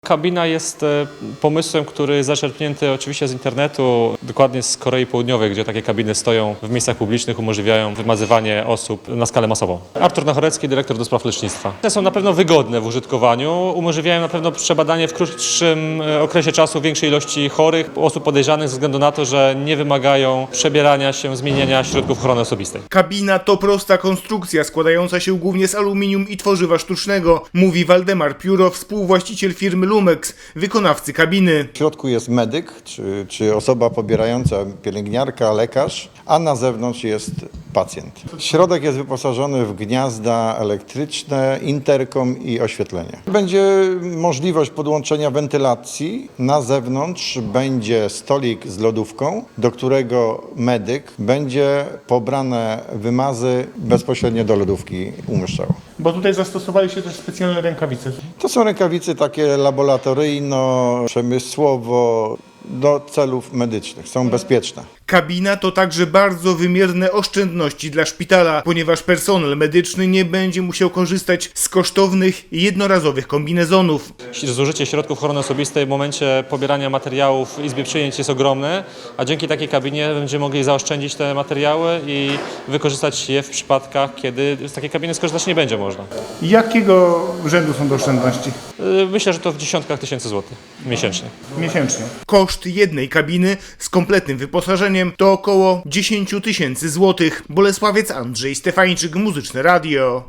Kabina jest pomysłem, który jest zaczerpnięty oczywiście z internetu, dokładnie z Korei Południowej, gdzie takie kabiny stoją w miejscach publicznych, umożliwiają wymazywanie osób na skalę masową. Artur Nachorecki, dyrektor do spraw lecznictwa. Te są na pewno wygodne w użytkowaniu, umożliwiają na pewno przebadanie w krótszym okresie czasu większej ilości chorych, osób podejrzanych ze względu na to, że nie wymagają przebierania się, zmieniania środków ochrony osobistej. Kabina to prosta konstrukcja składająca się głównie z aluminium i tworzywa sztucznego, mówi Waldemar Pióro, współwłaściciel firmy Lumex, wykonawcy kabiny. W środku jest medyk, czy osoba pobierająca, pielęgniarka, lekarz, a na zewnątrz jest pacjent. Środek jest wyposażony w gniazda elektryczne, interkom i oświetlenie. Będzie możliwość podłączenia wentylacji. Na zewnątrz będzie stolik z lodówką, do którego medyk będzie pobrane wymazy bezpośrednio do lodówki umieszczał. Bo tutaj zastosowali się też specjalne rękawice. To są rękawice takie laboratoryjno-przemysłowo do celów medycznych. Są bezpieczne. Kabina to także bardzo wymierne oszczędności dla szpitala, ponieważ personel medyczny nie będzie musiał korzystać z kosztownych, jednorazowych kombinezonów. Zużycie środków ochrony osobistej w momencie pobierania materiałów w izbie przyjęć jest ogromne, a dzięki takiej kabinie będziemy mogli zaoszczędzić te materiały i wykorzystać je w przypadkach, kiedy z takiej kabiny skorzystać nie będzie można. Jakiego rzędu są to oszczędności? Myślę, że to w dziesiątkach tysięcy złotych miesięcznie. Miesięcznie. Koszt jednej kabiny z kompletnym wyposażeniem to około 10 000 złotych. Bolesławiec Andrzej Stefańczyk, Muzyczne Radio.